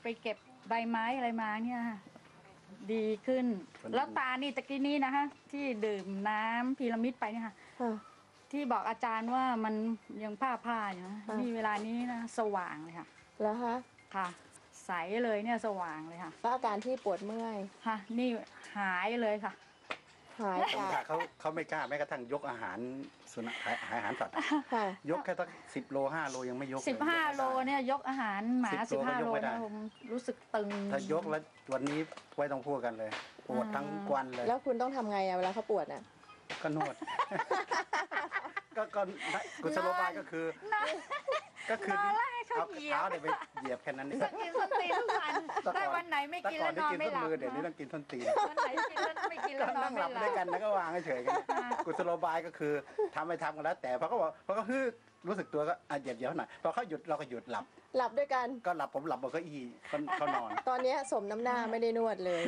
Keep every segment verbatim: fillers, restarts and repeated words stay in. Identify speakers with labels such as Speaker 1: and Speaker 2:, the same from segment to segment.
Speaker 1: ไปเก็บใบไม้อะไรมาเนี่ยดีขึ้นแล้วตานี่ตะกี้นี้นะคะที่ดื่มน้ำพีระมิดไปเนี่ยค่ะที่บอกอาจารย์ว่ามันยังผ้าผ้าอยู่นะนี่เวลานี้นะสว่างเลยค่ะ
Speaker 2: แล้วฮะ
Speaker 1: ค่ะใสเลยเนี่ยสว่างเลยค่ะ
Speaker 2: แล้วอาการที่ปวดเมื่อย
Speaker 1: ค่ะนี่หายเลยค่ะ
Speaker 2: หายจาก
Speaker 3: เขาเขาไม่กล้าแม้กระทั่งยกอาหารสุนัขอาหารสัตว์ยกแค่ตั้งสิบโลห้าโลยังไม่ยก
Speaker 1: สิบห้าโลเนี่ยยกอาหารหมาสิบห้าโลนะผมรู้สึกตึง
Speaker 3: ถ้ายกแล้ววันนี้ไว้ต้องพูดกันเลยปวดทั้งวันเลย
Speaker 2: แล้วคุณต้องทำไงอะเวลาเขาปวดน่ะ
Speaker 3: ก็นวดก็ก็กุศโลบายก็คือก็คือเอาเท้าเดี๋ยวไปเหยียบแค่นั้นนี่
Speaker 1: กินส้นตีนทุกวันแต่วันไหนไม่กินแล้วนอนไม่หลับ
Speaker 3: เดี๋ยวนี้ต้องกินส้นตีน
Speaker 1: วันไหนกินแล้วไม่กินแล้วนอนไม่หลับ
Speaker 3: ด้วยกันแล้วก็วางเฉยกันกุศโลบายก็คือทำไปทำกันแล้วแต่พอเขาบอกพอเขาฮึรู้สึกตัวก็เหยียบเหยียบหน่อยพอเขาหยุดเราก็หยุดหลับ
Speaker 2: หลับด้วยกัน
Speaker 3: ก็หลับผมหลับบนเก้าอี้เขานอน
Speaker 2: ตอนนี้สมน้ำหน้าไม่ได้นวดเลย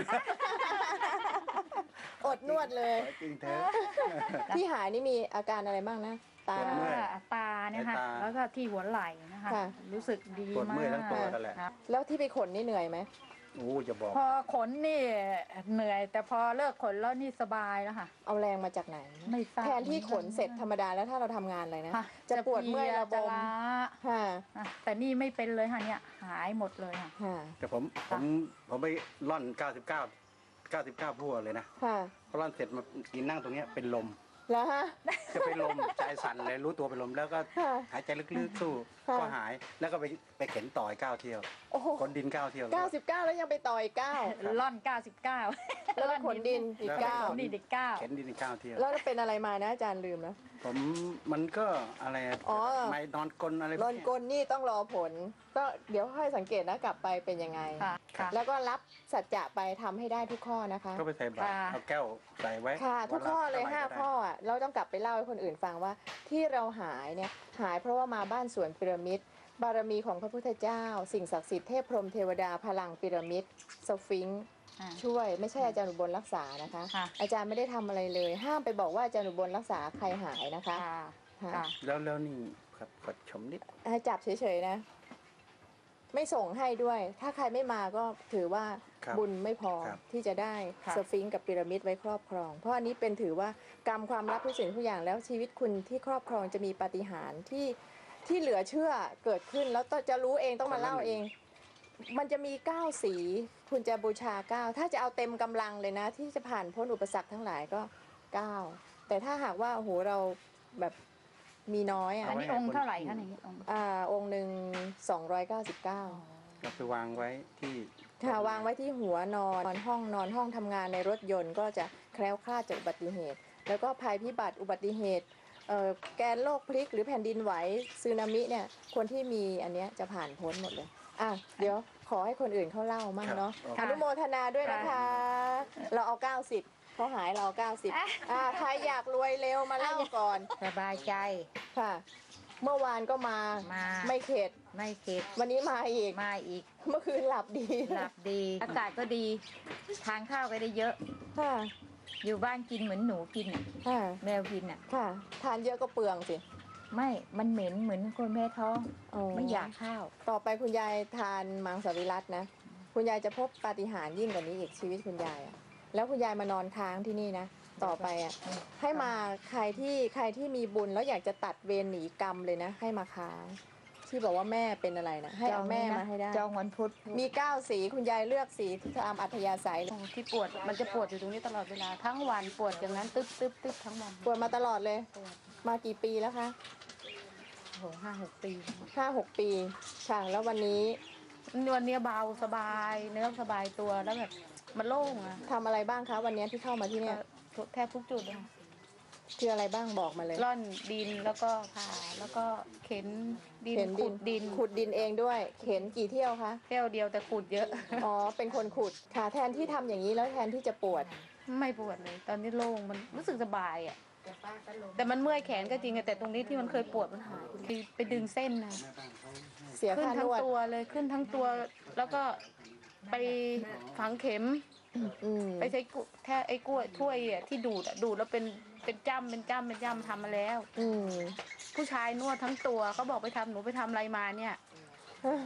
Speaker 2: อดนวดเลย
Speaker 3: จริงเถอะ
Speaker 2: ที่หายนี่มีอาการอะไรบ้างนะตา
Speaker 1: ตาเนี่ยค่ะแล้วก็ที่หัวไหล่นะคะรู้สึกดีมากปวด
Speaker 3: เมื่อยทั้งตัวนั่นแหละ
Speaker 2: แล้วที่ไปขนนี่เหนื่อยไหม
Speaker 3: โอ้จะบอก
Speaker 1: พอขนนี่เหนื่อยแต่พอเลิกขนแล้วนี่สบายแล้วค่ะ
Speaker 2: เอาแรงมาจากไหน
Speaker 1: ไม่ทราบ
Speaker 2: แทนที่ขนเสร็จธรรมดาแล้วถ้าเราทำงานอะไรนะจะปวดเมื่อยระบม
Speaker 1: ค่ะแต่นี่ไม่เป็นเลยค่ะเนี่ยหายหมดเลยค่ะ
Speaker 3: แต่ผมผมผมไปร่อนเก้าสิบเก้าเก้าสิบเก้าพั่วเลยนะพอร่อนเสร็จมากินนั่งตรงนี้เป็นลม
Speaker 2: แล้วฮะ
Speaker 3: จะเป็นลมใจสั่นเลยรู้ตัวเป็นลมแล้วก็หายใจลึกๆสู้ก็หายแล้วก็ไปไปเข็นต่อยเก้าเที่ยวขนดินเก้าเที่ยว
Speaker 2: เก้าสิบเก้าแล้วยังไปต่อยเก้า
Speaker 1: ล่อนเก้าสิบเก้า
Speaker 2: แล้วขนดินอีกเก้า
Speaker 1: ดินอีกเก้า
Speaker 3: เข็นดินอีกเก้าเที่ยว
Speaker 2: แล้วเป็นอะไรมานะอาจารย์ลืมนะ
Speaker 3: ผมมันก็อะไรไม่นอนกลอะไร
Speaker 2: นอนกลนี่ต้องรอผลก็เดี๋ยวค่อยสังเกตนะกลับไปเป็นยังไงแล้วก็รับสัจจะไปทำให้ได้ทุกข้อนะคะ
Speaker 3: ก็ไปใส่บาตรเอาแก้วใส่ไว้
Speaker 2: ค่ะทุกข้อเลยห้าข้ออ่ะเราต้องกลับไปเล่าให้คนอื่นฟังว่าที่เราหายเนี่ยหายเพราะว่ามาบ้านสวนพีระมิดบารมีของพระพุทธเจ้าสิ่งศักดิ์สิทธิ์เทพพรหมเทวดาพลังพีระมิดสฟิงค์ช่วยไม่ใช่อาจารย์อุบลรักษานะคะอาจารย์ไม่ได้ทำอะไรเลยห้ามไปบอกว่าอาจารย์อุบลรักษาใครหายนะคะ
Speaker 3: แล้วแล้วนี่ครับขอชมนิด
Speaker 2: ให้จับเฉยๆนะไม่ส่งให้ด้วยถ้าใครไม่มาก็ถือว่าบุญไม่พอที่จะได้สฟิงค์กับพีระมิดไว้ครอบครองเพราะอันนี้เป็นถือว่ากรรมความลับทุกสิ่งทุกอย่างแล้วชีวิตคุณที่ครอบครองจะมีปาฏิหาริย์ที่ที่เหลือเชื่อเกิดขึ้นแล้วจะรู้เองต้องมาเล่าเองมันจะมีเก้าสีคุณจะบูชาเก้าถ้าจะเอาเต็มกำลังเลยนะที่จะผ่านพ้นอุปสรรคทั้งหลายก็เก้าแต่ถ้าหากว่าโอ้โหเราแบบมีน้อยอ่ะ
Speaker 1: อันนี้องค์เท่าไหร่คะนี่องค์
Speaker 2: อ่าองค์หนึ่งสองร้อยเก้าสิบเก้า
Speaker 3: เราไปวางไว้ที่
Speaker 2: ค่ะวางไว้ที่หัวนอนนอนห้องนอนห้องทำงานในรถยนต์ก็จะแคล้วคลาดจากอุบัติเหตุแล้วก็ภัยพิบัติอุบัติเหตุแกนโลกพลิกหรือแผ่นดินไหวสึนามิเนี่ยคนที่มีอันเนี้ยจะผ่านพ้นหมดเลยอ่ะเดี๋ยวขอให้คนอื่นเขาเล่ามั่งเนาะอนุโมทนาด้วยนะคะเราเอาเก้าสิบเขาหายเราเก้าสิบอ่าใครอยากรวยเร็วมาเล่าก่อน
Speaker 1: สบายใจ
Speaker 2: ค่ะเมื่อวานก็มาไม่เข็ด
Speaker 1: ไม่เข็ด
Speaker 2: วันนี้มาอีก
Speaker 1: มาอีก
Speaker 2: เมื่อคืนหลับดี
Speaker 1: หลับดีอากาศก็ดีทานข้าวก็ได้เยอะ
Speaker 2: ค่ะ
Speaker 1: อยู่บ้านกินเหมือนหนูกินอ่ะแมวกินอ่ะ
Speaker 2: ค่ะทานเยอะก็เปลืองสิ
Speaker 1: ไม่มันเหม็นเหมือนคนแม่ท้องไม่อยากข้าว
Speaker 2: ต่อไปคุณยายทานมังสวิรัตินะคุณยายจะพบปาฏิหาริย์ยิ่งกว่านี้อีกชีวิตคุณยายอ่ะแล้วคุณยายมานอนค้างที่นี่นะต่อไปอ่ะให้มาใครที่ใครที่มีบุญแล้วอยากจะตัดเวรหนีกรรมเลยนะให้มาค้างที่บอกว่าแม่เป็นอะไรนะให้เอาแม่มาให้ได้
Speaker 1: จองวันพุธ
Speaker 2: มีเก้าสีคุณยายเลือกสีตามอัธยาศัย
Speaker 1: ที่ปวดมันจะปวดอยู่ตรงนี้ตลอดเวลาทั้งวันปวดอย่างนั้นตึ๊บตึ๊บตึ๊บทั้งวัน
Speaker 2: ปวดมาตลอดเลยมากี่ปีแล้วคะ
Speaker 1: โหห้าหกปี
Speaker 2: ห้าหกปีค่ะแล้ววันนี้
Speaker 1: วันนี้เบาสบายเนื้อสบายตัวแล้วแบบมันโล่งอะ
Speaker 2: ทำอะไรบ้างคะวันนี้ที่เข้ามาที่เนี่ย
Speaker 1: แทบทุกจุดเลย
Speaker 2: คืออะไรบ้างบอกมาเลย
Speaker 1: ร่อนดินแล้วก็ผ่าแล้วก็เข็นดินขุดดิน
Speaker 2: ขุดดินเองด้วยเข็นกี่เที่ยวคะ
Speaker 1: เที่ยวเดียวแต่ขุดเยอะ
Speaker 2: อ๋อเป็นคนขุดค่ะแทนที่ทำอย่างนี้แล้วแทนที่จะปวด
Speaker 1: ไม่ปวดเลยตอนนี้โล่งมันรู้สึกสบายอ่ะแต่มันเมื่อยแขนก็จริงแต่ตรงนี้ที่มันเคยปวดมันหายไปดึงเส้นนะ
Speaker 2: เสีย
Speaker 1: ขึ้นทั้ง
Speaker 2: ตัว
Speaker 1: ตัวเลยขึ้นทั้งตัวแล้วก็ไปฝังเข็มไปใช้แค่ไอ้กล้วยถ้วยอ่ะที่ดูดอ่ะดูดแล้วเป็นเป็นจ้ำเป็นจ้ำเป็นจ้ำทำมาแล้วผู้ชายนวดทั้งตัวเขาบอกไปทำหนูไปทำอะไรมาเนี่ย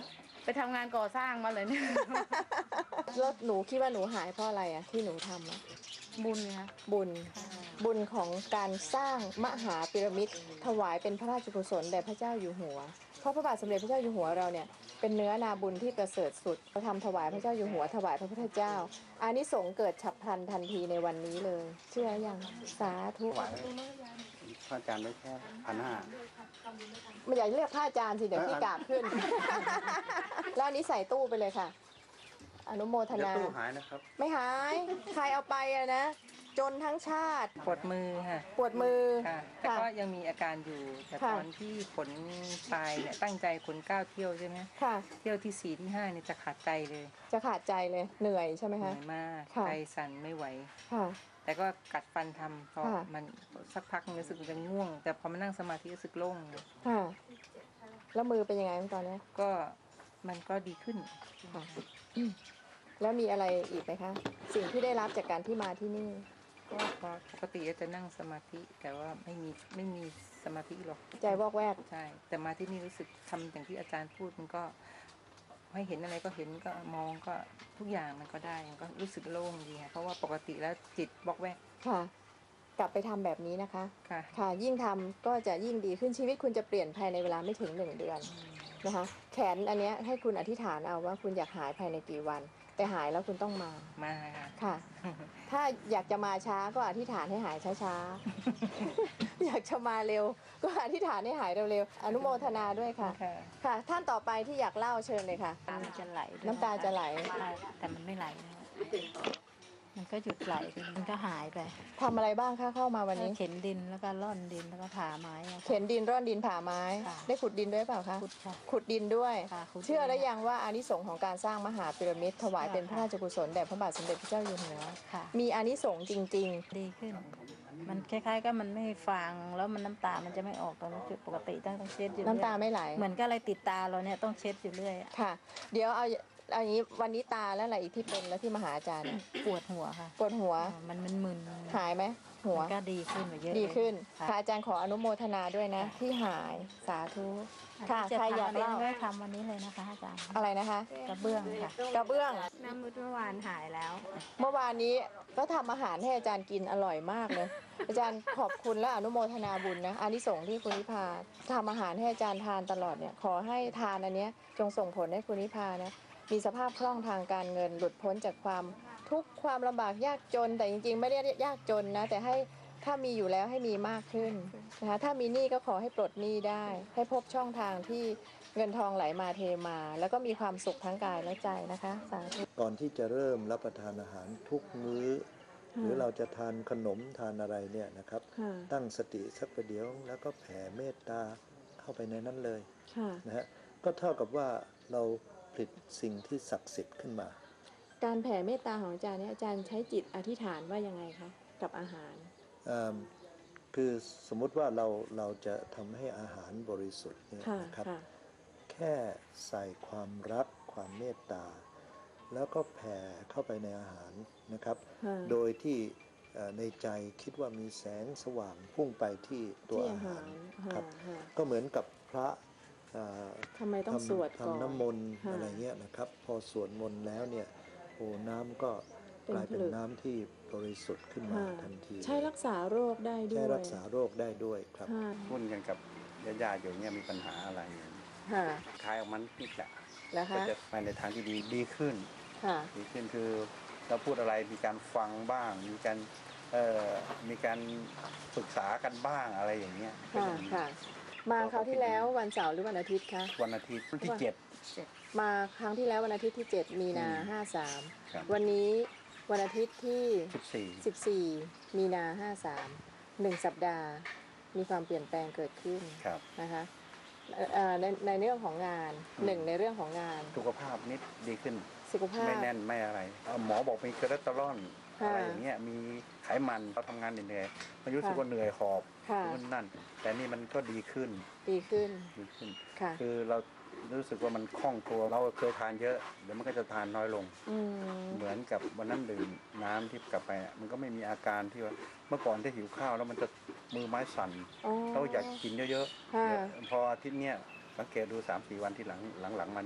Speaker 4: ไปทำงานก่อสร้างมาเลยเนี่ย
Speaker 2: แล้วหนูคิดว่าหนูหายเพราะอะไรอะที่หนูทำอะ
Speaker 4: บุญเนี่ย
Speaker 2: บุญบุญของการสร้างมหาพีระมิดถวายเป็นพระราชกุศลแด่พระเจ้าอยู่หัว เพราะพระบาทสมเด็จพระเจ้าอยู่หัวเราเนี่ยเป็นเนื้อนาบุญที่ประเสริฐสุดเราทำถวายพระเจ้าอยู่หัวถวายพระพุทธเจ้าอานิสงส์เกิดฉับพลันทันทีในวันนี้เลย เชื่อยังสาธุ
Speaker 3: ไหวพระอาจารย์ได้แค่พันห้า
Speaker 2: ไม่อยากเรียกพระอาจารย์สิเดี๋ยวพี่กราบขึ้น แล้วอันนี้ใส่ตู้ไปเลยค่ะ อนุโมท
Speaker 3: เดี๋ยว
Speaker 2: นา
Speaker 3: ตู้หายนะครับ
Speaker 2: ไม่หาย ใครเอาไปอะนะ จนทั้งชาติ
Speaker 5: ปวดมือค่ะ
Speaker 2: ปวดมือ
Speaker 5: ค่ะแต่
Speaker 2: ค่ะ
Speaker 5: ก็ยังมีอาการอยู่ แต่
Speaker 2: ค่ะ
Speaker 5: ตอนที่ขนตายเนี่ยตั้งใจขนเก้าเที่ยวใช่ไหม
Speaker 2: ค่ะ
Speaker 5: เที่ยวที่สี่ที่ห้าเนี่ยจะขาดใจเลย
Speaker 2: จะขาดใจเลยเหนื่อยใช่ไหม
Speaker 5: เหนื่
Speaker 2: คะ
Speaker 5: อยมาก
Speaker 2: ค่ะ
Speaker 5: ใจสั่นไม่ไหว
Speaker 2: ค่ะ
Speaker 5: แต่ก็กัดฟันทำพอ
Speaker 2: ค่ะ
Speaker 5: มันสักพักรู้สึกมันจะง่วง แต่พอมานั่งสมาธิรู้สึกโล่ง
Speaker 2: ค่ะ แล้วมือเป็นยังไงตอนนี้
Speaker 5: ก็มันก็ดีขึ้น
Speaker 2: ค่ะ แล้วมีอะไรอีกไหมคะ สิ่งที่ได้รับจากการที่มาที่นี่
Speaker 5: ก็พอปกติก็จะนั่งสมาธิ แต่ว่าไม่มีไม่มีสมาธิหรอก
Speaker 2: ใจวอกแวก
Speaker 5: ใช่ แต่มาที่นี่รู้สึกทำอย่างที่อาจารย์พูดมันก็ให้เห็นอะไรก็เห็นก็มองก็ทุกอย่างมันก็ได้มันก็รู้สึกโล่งดีค่ะเพราะว่าปกติแล้วจิตบล็อกแวก
Speaker 2: ค่ะ กลับไปทำแบบนี้นะคะ
Speaker 5: ค่ะ
Speaker 2: ค่ะ ยิ่งทำก็จะยิ่งดีขึ้นชีวิตคุณจะเปลี่ยนภายในเวลาไม่ถึงหนึ่งเดือนนะคะ แขนอันเนี้ยให้คุณอธิษฐานเอาว่าคุณอยากหายภายในกี่วัน แต่หายแล้วคุณต้องมา
Speaker 5: มาค่ะ
Speaker 2: ค่ะ ถ้าอยากจะมาช้าก็อธิษฐานให้หายช้าๆ อยากจะมาเร็ว ก็อธิษฐานให้หายเร็วๆ อนุโมทนาด้วยค่ะ
Speaker 5: ค่ะ
Speaker 2: ค่ะ ท่านต่อไปที่อยากเล่าเชิญเลยค่ะ
Speaker 6: น้ำมันจะไหลด้วย
Speaker 2: น้ำตาจะไหล
Speaker 6: ใช่แต่มันไม่ไหลนะมันก็หยุดไหลไปมันก็หายไป
Speaker 2: ทำอะไรบ้างคะเข้ามาวันนี้
Speaker 6: เข็นดินแล้วก็ร่อนดินแล้วก็ผ่าไม้อะค่ะ
Speaker 2: เข็นดินร่อนดินผ่าไม้
Speaker 6: ค่ะ
Speaker 2: ได้ขุดดินด้วยเปล่าคะ
Speaker 6: ขุดค่ะ
Speaker 2: ขุดดินด้วย
Speaker 6: ค่ะขุดดิน
Speaker 2: เชื่อแล้วยังว่าอานิสงส์ของการสร้างมหาพีระมิดถวายเป็นพระราชกุศลแด่พระบาทสมเด็จพระเจ้าอยู่หัว
Speaker 6: ค่ะ
Speaker 2: มีอานิสงส์จริง
Speaker 6: ดีขึ้น มันคล้ายๆก็มันไม่ฟางแล้วมันน้ำตามันจะไม่ออกตอนนี้คือปกติต้องต้องเช็ดอยู่
Speaker 2: ๆ
Speaker 6: เรื่อย
Speaker 2: น้ำตาไม่ไหล
Speaker 6: เหมือนก็อะไรติดตาเราเนี่ยต้องเช็ดอยู่เรื่อยอะ
Speaker 2: ค่ะ เดี๋ยวเอาเอาอย่างนี้วันนี้ตาแล้วอะไรอีกที่เป็นแล้วที่มาหาอาจารย์เนี่ย
Speaker 6: ปวดหัวค่ะ
Speaker 2: ปวดหัว
Speaker 6: อ่ามันมันมึน
Speaker 2: หายไหมหัว
Speaker 6: มันก็ดีขึ้นไปเยอะ
Speaker 2: ดีขึ้น
Speaker 6: ค่ะ
Speaker 2: ค่ะอาจารย์ขออนุโมทนาด้วยนะ ที่หายสาธุค่ะ
Speaker 6: จะ
Speaker 2: ใครอยาก
Speaker 6: ทำวันนี้
Speaker 2: เล่า
Speaker 6: ก็ทำวันนี้เลยนะคะอาจารย์
Speaker 2: อะไรนะคะ
Speaker 6: กระเบื้องค่ะ
Speaker 2: กระเบื้อง
Speaker 4: น้ำมุดเมื่อวานหายแล้ว
Speaker 2: เมื่อวานนี้ก็ทำอาหารให้อาจารย์กินอร่อยมากเลย อาจารย์ขอบคุณและอนุโมทนาบุญนะอานิสงส์ที่คุณนิพาทำอาหารให้อาจารย์ทานตลอดเนี่ยขอให้ทานอันเนี้ยจงส่งผลให้คุณนิพานะมีสภาพคล่องทางการเงิน หลุดพ้นจากความทุกข์ความลำบากยากจน แต่จริงๆ ไม่ได้ยากจนนะแต่ให้ถ้ามีอยู่แล้วให้มีมากขึ้นนะคะถ้ามีหนี้ก็ขอให้ปลดหนี้ได้ ให้พบช่องทางที่เงินทองไหลมาเทมา แล้วก็มีความสุขทั้งกายและใจนะคะสาธุ
Speaker 7: ก่อนที่จะเริ่มรับประทานอาหารทุกมื้อ หรือเราจะทานขนมทานอะไรเนี่ยนะครับ ตั้งสติสักประเดี๋ยวแล้วก็แผ่เมตตาเข้าไปในนั้นเลยนะฮะก็เท่ากับว่าเราผลิตสิ่งที่ศักดิ์สิทธิ์ขึ้นมา
Speaker 2: การแผ่เมตตาของอาจารย์เนี่ยอาจารย์ใช้จิตอธิษฐานว่ายังไงคะกับอาหาร
Speaker 7: อ่าคือสมมุติว่าเราเราจะทำให้อาหารบริสุทธิ์เนี่ย
Speaker 2: ค่ะ
Speaker 7: นะครับ
Speaker 2: ค่ะ
Speaker 7: แค่ใส่ความรักความเมตตา แล้วก็แผ่เข้าไปในอาหารนะครับ
Speaker 2: ค่ะ
Speaker 7: โดยที่เอ่อในใจคิดว่ามีแสงสว่างพุ่งไปที่ตัว
Speaker 2: ที่
Speaker 7: อา
Speaker 2: อา
Speaker 7: หา
Speaker 2: หาร ร
Speaker 7: ครับ
Speaker 2: ค่ะ
Speaker 7: ก็เหมือนกับพระเอ่อ
Speaker 2: ทำไมต้องสวด
Speaker 7: ทำ
Speaker 2: ก่อน
Speaker 7: ทำน้ำมนต์
Speaker 2: ค่ะ
Speaker 7: อะไรเงี้ยนะครับ พอสวดมนต์แล้วเนี่ยโอ้น้ำก็
Speaker 2: เป็น
Speaker 7: กลายเป็น
Speaker 2: ผลึก
Speaker 7: น้ำที่บริสุทธิ์ขึ้นมา
Speaker 2: ค่ะ
Speaker 7: ทันที
Speaker 2: ใช้รักษาโรคได้ด้
Speaker 7: ใช้
Speaker 2: วย
Speaker 7: รักษาโรคได้ด้วยครับ
Speaker 2: ค่ะ
Speaker 3: หุ้นกันกับญาติๆอยู่เนี่ยมีปัญหาอะไร
Speaker 2: ค่ะ
Speaker 3: คลายออกมันนิดแหละ
Speaker 2: แล้ว
Speaker 3: ก็
Speaker 2: คะ
Speaker 3: จะไปในทางที่ดีดีขึ้น
Speaker 2: ค่ะ
Speaker 3: ดีขึ้นคือเราพูดอะไรมีการฟังบ้าง มีการเอ่อมีการปรึกษากันบ้างอะไรอย่างเงี้ยก็
Speaker 2: ค่ะ
Speaker 3: จะมี
Speaker 2: ค่ะ มาคราวที่แล้ววันเสาร์หรือวันอาทิตย์คะ
Speaker 3: วันอาทิตย์วันที่เจ็ด
Speaker 2: มาครั้งที่แล้ววันอาทิตย์ที่เจ็ดมีนา
Speaker 3: อืม
Speaker 2: ห้าสาม
Speaker 3: ครับ
Speaker 2: วันนี้วันอาทิตย์ที่
Speaker 3: สิบสี่
Speaker 2: สิบสี่มีนาห้าสามหนึ่งสัปดาห์ มีความเปลี่ยนแปลงเกิดขึ้น
Speaker 3: ครับ
Speaker 2: นะคะเอ่อเอ่อในในเรื่องของงาน
Speaker 3: อืม
Speaker 2: หนึ่งในเรื่องของงาน
Speaker 3: สุขภาพนิดดีขึ้น
Speaker 2: สุขภาพ
Speaker 3: ไม่แน่นไม่อะไรเอ่อหมอบอกมีคอเลสเตอรอล
Speaker 2: ค่ะ
Speaker 3: อะไรอย่างเงี้ยมีไขมันเราทำงานเหนื่อยๆมันรู้สึก
Speaker 2: ค่ะ
Speaker 3: ว่าเหนื่อยหอบ
Speaker 2: ค่ะ
Speaker 3: นู่นนั่น แต่นี่มันก็ดีขึ้น
Speaker 2: ดีขึ้น
Speaker 3: ดีขึ้น
Speaker 2: ค่ะ
Speaker 3: คือเรารู้สึกว่ามันคล่องตัวเราเคยทานเยอะเดี๋ยวมันก็จะทานน้อยลง
Speaker 2: อืม
Speaker 3: เหมือนกับวันนั้นดื่มน้ำที่กลับไปอะมันก็ไม่มีอาการที่ว่าเมื่อก่อนที่หิวข้าวแล้วมันจะมือไม้สั่น
Speaker 2: อ๋อ
Speaker 3: เราอยากกินเยอะ
Speaker 2: ค่ะ
Speaker 3: ๆเดี๋ยวพออาทิตย์เนี้ยสังเกตดูสามสี่วันที่หลังหลังๆมาเนี่ย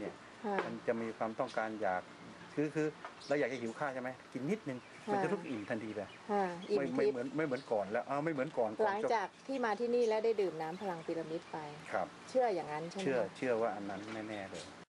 Speaker 2: ค่ะ
Speaker 3: มันจะมีความต้องการอยากคือคือเราอยากจะหิวข้าวใช่ไหมกินนิดนึงมันจะรู้สึกอิ่มทันทีเลย
Speaker 2: ค่ะอิ่ม
Speaker 3: ไม่ไม่
Speaker 2: ทิพ
Speaker 3: เหมือน
Speaker 2: ย์
Speaker 3: ไม่เหมือนก่อนแล้วอ้าวไม่เหมือนก่อนก่
Speaker 2: ห
Speaker 3: อน
Speaker 2: ลัง
Speaker 3: จะ
Speaker 2: จากที่มาที่นี่แล้วได้ดื่มน้ำพลังพีระมิดไป
Speaker 3: ครับ
Speaker 2: เชื่ออย่างนั้นใช่ไหม
Speaker 3: เชื่อ
Speaker 2: คะ
Speaker 3: เชื่อว่าอันนั้นแน่ๆเลย